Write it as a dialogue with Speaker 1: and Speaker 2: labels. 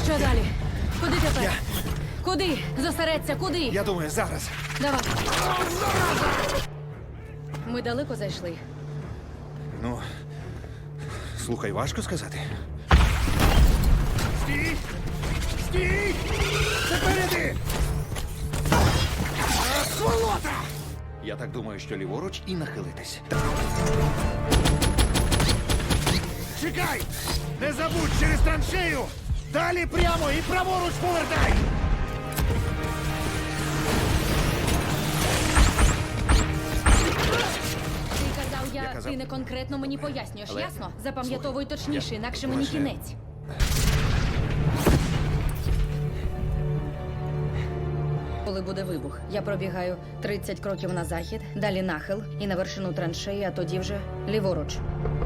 Speaker 1: Що далі? Куди тепер?
Speaker 2: Я-
Speaker 1: Куди? Зосередься, куди?
Speaker 2: Я думаю, зараз.
Speaker 1: Давай. Ми далеко зайшли.
Speaker 2: Ну, слухай, важко сказати. Стій! Стій! Запереди! Сволота! Я так думаю, що ліворуч і нахилитись. Чекай! Не забудь через траншею! Далі прямо і праворуч повертай!
Speaker 1: Ти казав,
Speaker 2: Я казав.
Speaker 1: ти не конкретно мені пояснюєш,
Speaker 2: Але-
Speaker 1: ясно? Запам'ятовуй
Speaker 2: Слухай,
Speaker 1: точніше,
Speaker 2: я-
Speaker 1: інакше мені
Speaker 2: лише-
Speaker 1: кінець. Коли буде вибух, я пробігаю 30 кроків на захід, далі нахил і на вершину траншеї, а тоді вже ліворуч.